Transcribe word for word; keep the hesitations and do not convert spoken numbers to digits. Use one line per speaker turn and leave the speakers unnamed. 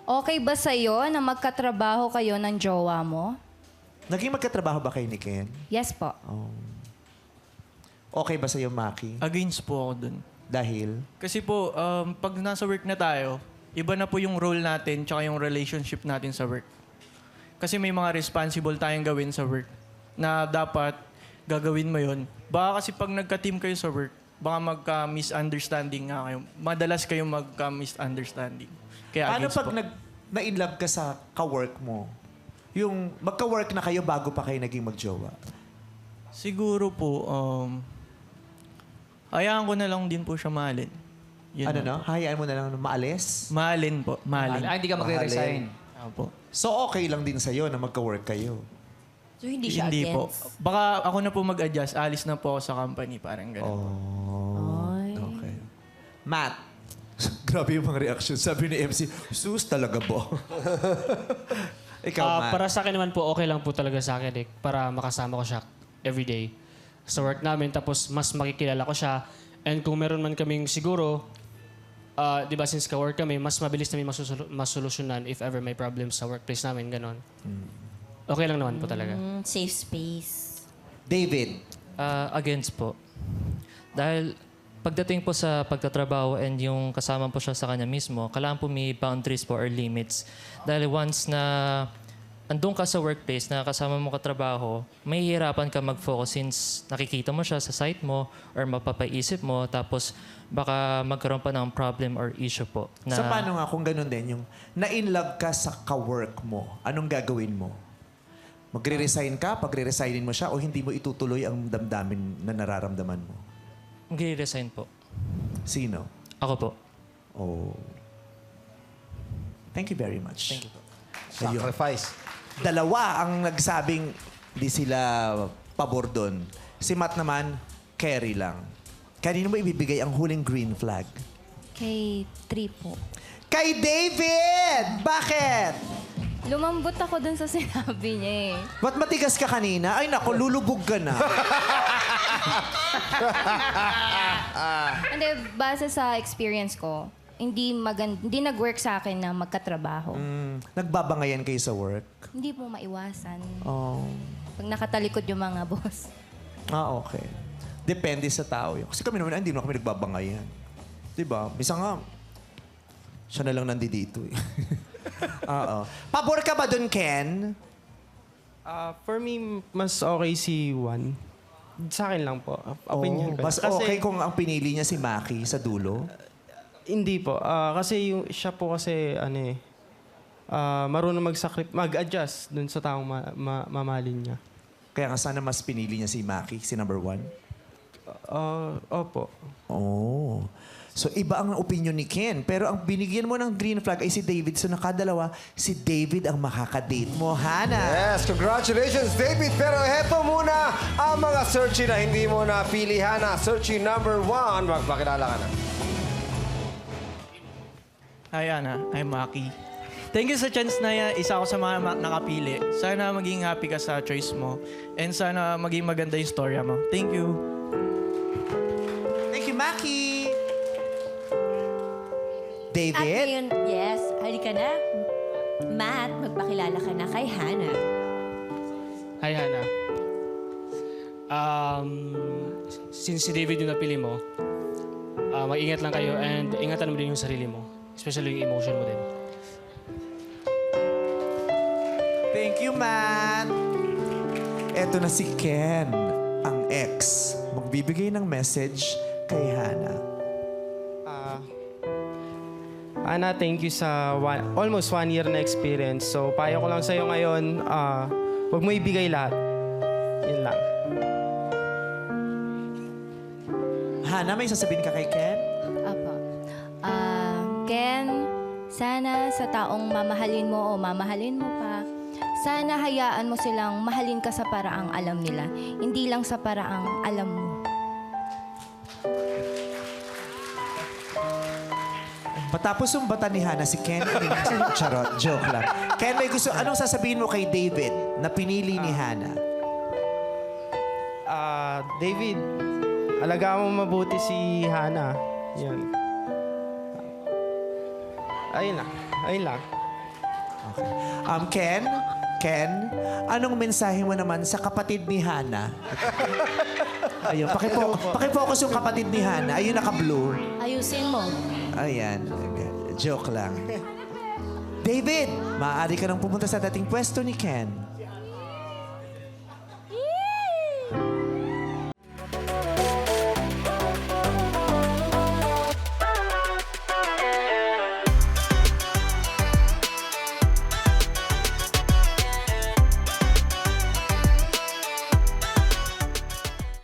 Okay ba sa'yo na magkatrabaho kayo ng jowa mo?
Naging magkatrabaho ba kayo ni Ken?
Yes po.
Oh. Okay ba sa'yo, Maki?
Against po ako dun.
Dahil?
Kasi po, um, pag nasa work na tayo, iba na po yung role natin tsaka yung relationship natin sa work. Kasi may mga responsible tayong gawin sa work na dapat gagawin mo yun. Baka kasi pag nagka-team kayo sa work, baka magka-misunderstanding nga kayo. Madalas kayong magka-misunderstanding. Kaya
Paano
against
pag
po.
nag, na-inlove ka sa ka-work mo? Yung magka-work na kayo bago pa kayo naging magjowa?
Siguro po, um, hayaan ko na lang din po siya mahalin. Yun
ano
lang.
no? Hayaan mo na lang na maalis?
Mahalin po, mahalin.
Ah, hindi ka magre-resign.
Opo.
So okay lang din sa'yo na magka-work kayo?
So, hindi siya
Hindi po.
against?
Baka ako na po mag-adjust. Alis na po ako sa company. Parang gano'n.
Oh.
Ay.
Okay. Matt. Grabe yung mga reaction. Sabi ni M C, sus talaga ba? Ikaw,
Ah,
Matt.
para sa akin naman po, okay lang po talaga sa akin eh, para makasama ko siya everyday sa work namin. Tapos mas makikilala ko siya. And kung meron man kaming siguro, ah, di ba since ka-work kami, mas mabilis namin masusol- masolusyonan if ever may problems sa workplace namin, ganon. Okay lang naman po talaga.
Mm, safe space.
David.
Ah, against po. Dahil pagdating po sa pagtatrabaho and yung kasama po siya sa kanya mismo, kailangan po may boundaries po or limits. Dahil once na andun ka sa workplace na kasama mo katrabaho, may hihirapan ka mag-focus since nakikita mo siya sa site mo or mapapaisip mo, tapos baka magkaroon pa ng problem or issue po. Na,
So paano nga kung ganun din, yung na-inlove ka sa ka-work mo, anong gagawin mo? Magre-resign ka, pagre-resignin mo siya, o hindi mo itutuloy ang damdamin na nararamdaman mo?
Mag-resign po.
Sino?
Ako po.
Oh. Thank you very much.
Thank you po.
Ayun.
Sacrifice.
Dalawa ang nagsabing di sila pabor doon. Si Matt naman, carry lang. Kanino mo ibibigay ang huling green flag?
Kay three po.
Kay David! Bakit?
Lumambot ako dun sa sinabi niya eh.
Ba't matigas ka kanina? Ay nako, lulubog ka na.
Hindi, base sa experience ko, hindi magan hindi nag-work sa akin na magkatrabaho.
Mm, nagbabangayan kayo sa work?
Hindi po maiwasan.
Oh.
Pag nakatalikod yung mga boss.
Ah, okay. Depende sa tao yun. Kasi kami naman, hindi naman kami nagbabangayan. Diba? Bisa nga, siya na lang nandito eh. Oo. Pabor ka ba dun, Ken?
Ah, for me, mas okay si Juan. Sa akin lang po. Opinion
Oh,
ko.
mas
Kasi-
okay kung ang pinili niya si Maki sa dulo?
Hindi po. Ah, kasi yung, siya po kasi, ano eh, ah, marunong mag-sacrifice, mag-adjust dun sa taong ma- ma- mamahalin niya.
Kaya nga sana mas pinili niya si Maki, si number one?
Ah, opo.
Oh. So, iba ang opinion ni Ken. Pero ang binigyan mo ng green flag ay si David. So, nakadalawa, si David ang makakadate mo, Hana.
Yes, congratulations, David. Pero heto muna ang mga searchy na hindi mo napili, Hana. Searchy number one. Magpakilala ka na.
Hi, Ana. I'm Maki. Thank you sa chance na yan. Isa ako sa mga ma- nakapili. Sana maging happy ka sa choice mo. And sana maging maganda yung storya mo. Thank you.
Thank you, Maki.
At
David?
ngayon, yes, halika na. Matt, magpakilala ka na kay Hannah.
Hi, Hannah. Um, since si David yung napili mo, ah, mag-ingat lang kayo and ingatan mo din yung sarili mo. Especially yung emotion mo din.
Thank you, Matt. Eto na si Ken, ang ex. Magbibigay ng message kay Hana.
Ah, Ana, thank you sa one, almost one year na experience. So, payo ko lang sa'yo ngayon, ah, huwag mo ibigay lahat. Yun lang.
Hana, may sasabihin ka kay Ken?
Apo. Ah, Ken, sana sa taong mamahalin mo o mamahalin mo pa, sana hayaan mo silang mahalin ka sa paraang alam nila. Hindi lang sa paraang alam mo.
Matapos yung bata ni Hana, si Ken, charot, joke lang. Ken, may gusto, anong sasabihin mo kay David na pinili ni Hana?
Ah, David, alagaan mo mabuti si Hana. Yan. Ayun lang. Ayun lang.
Okay. Um, Ken? Ken? Anong mensahe mo naman sa kapatid ni Hana? Ayun, pakifocus, pakifocus yung kapatid ni Hana. Ayun, naka-blue.
Ayusin mo.
Ayan. Joke lang. David, maaari ka nang pumunta sa dating pwesto ni Ken.